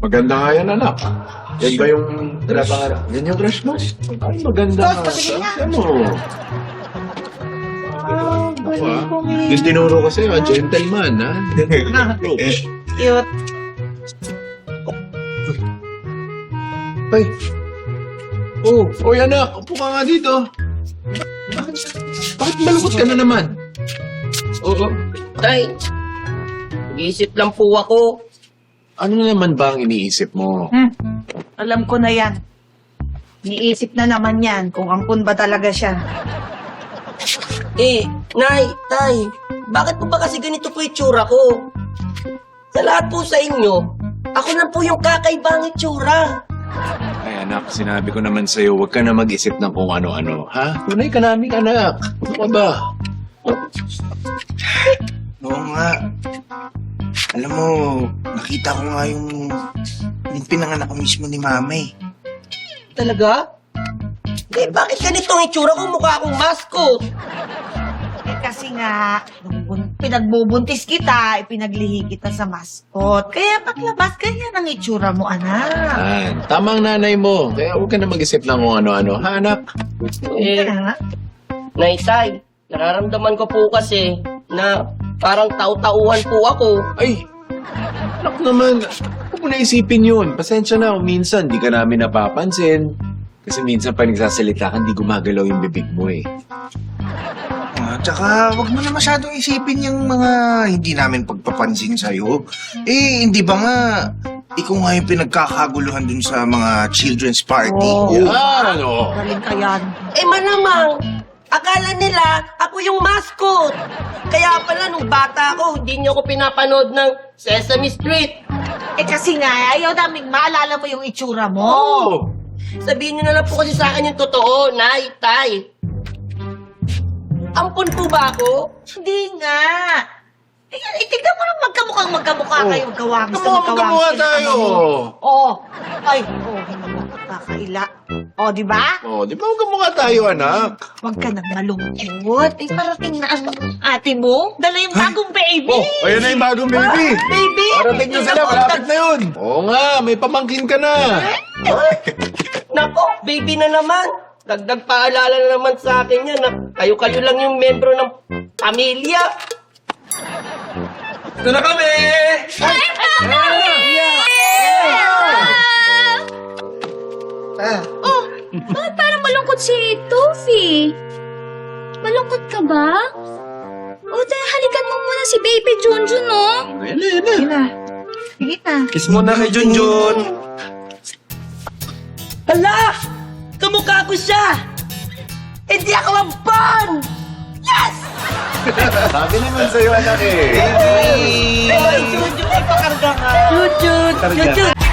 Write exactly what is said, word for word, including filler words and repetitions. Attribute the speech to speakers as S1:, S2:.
S1: Maganda nga yan, anak. Yan ba yung pinapangarap? Yan yung crush mo? Ay, maganda nga. Ano mo?
S2: Ah, galing ko eh.
S1: Yung tinuro ko sa'yo, ah, gentleman, ha?
S2: Cute.
S1: Ay. Oh, oy anak, upo ka nga dito. Bakit, bakit malungkot ka na naman? Oo.
S3: Tay, nag-iisip lang po ako.
S1: Ano na naman ba ang iniisip mo?
S2: Hmm. Alam ko na yan. Niisip na naman yan kung ampun ba talaga siya.
S3: Eh, Nay, Tay, bakit po ba kasi ganito po itsura ko? Sa lahat po sa inyo, ako na po yung kakaibang itsura.
S1: Ay anak, sinabi ko naman sa'yo, huwag ka na mag-isip ng kung ano-ano. Ha? Tunay ka naming anak. Ano ka ba?
S4: Oo nga. Alam mo, nakita ko nga yung, yung pinanganak ko mismo ni Mama eh.
S3: Talaga? Eh, bakit ganitong itsura ko? Mukha akong mascot.
S2: Eh kasi nga, nung bun- pinagbubuntis kita, ipinaglihi kita sa mascot. Kaya paglabas, ganyan ang itsura mo, anak.
S1: Yan. Tama ang nanay mo. Kaya huwag ka na mag-isip ng kung ano-ano. Ha, anak?
S3: Eh,
S2: Anak.
S3: Nay, Tay, nararamdaman ko po kasi na parang tau-tauhan po ako.
S1: Ay! Anak naman, huwag mo na isipin yun. Pasensya na kung minsan di ka namin napapansin. Kasi minsan pa nagsasalita ka, di gumagalaw yung bibig mo eh.
S4: Ah, tsaka, wag mo na masyadong isipin yung mga hindi namin pagpapansin sa'yo. Eh, hindi ba nga, ikaw nga yung pinagkakaguluhan dun sa mga children's party.
S2: Oo.
S1: Yan, ano?
S2: Galing ka yan.
S3: Eh malamang, akala nila ako yung mascot. Kaya pala nung bata ako, hindi niyo ako pinapanood ng Sesame Street.
S2: Eh kasi nga, ayaw naming maalala mo yung itsura mo.
S1: Oh!
S3: Sabihin niyo na lang po kasi sa akin yung totoo, Nay, Tay. Ampun po ba ako?
S2: Hindi nga. Eh, eh, tignan mo lang magkamukhang magkamukha
S1: Oh.
S2: kayo. Magkawangis na
S1: Kamukha
S2: magkawangis.
S1: magkamukha
S2: yung
S1: tayo.
S2: ano mo. Oh. Ay, oh, hindi mo kakaila. Oh, di ba?
S1: Oh, di ba huwag ka mukha tayo, anak?
S2: Huwag ka nang malungkot. Eh, parating na ang ate mo. Dala yung bagong baby.
S1: Oh, ayan na yung bagong baby.
S2: Baby!
S1: Parating na sila, malapit na yun. Oo nga, may pamangkin ka na.
S3: Nako, baby na naman. Dagdag paalala na naman sa akin yan na kayo-kayo lang yung membro ng pamilya.
S1: Ito na kami!
S5: Oh, bakit parang malungkot si Tofi? Malungkot ka ba? O, dahil halikan mo muna si Baby Junjun, no?
S1: Ayan na, ayan na.
S2: Sige na. Sige na.
S4: Kiss mo na kay Junjun.
S3: Hala! Kamukha ko siya! Hindi ako ampon! Yes!
S1: Sabi naman sa'yo, anak eh.
S3: Ay, Juju, ay pakarga nga. Juju, Juju.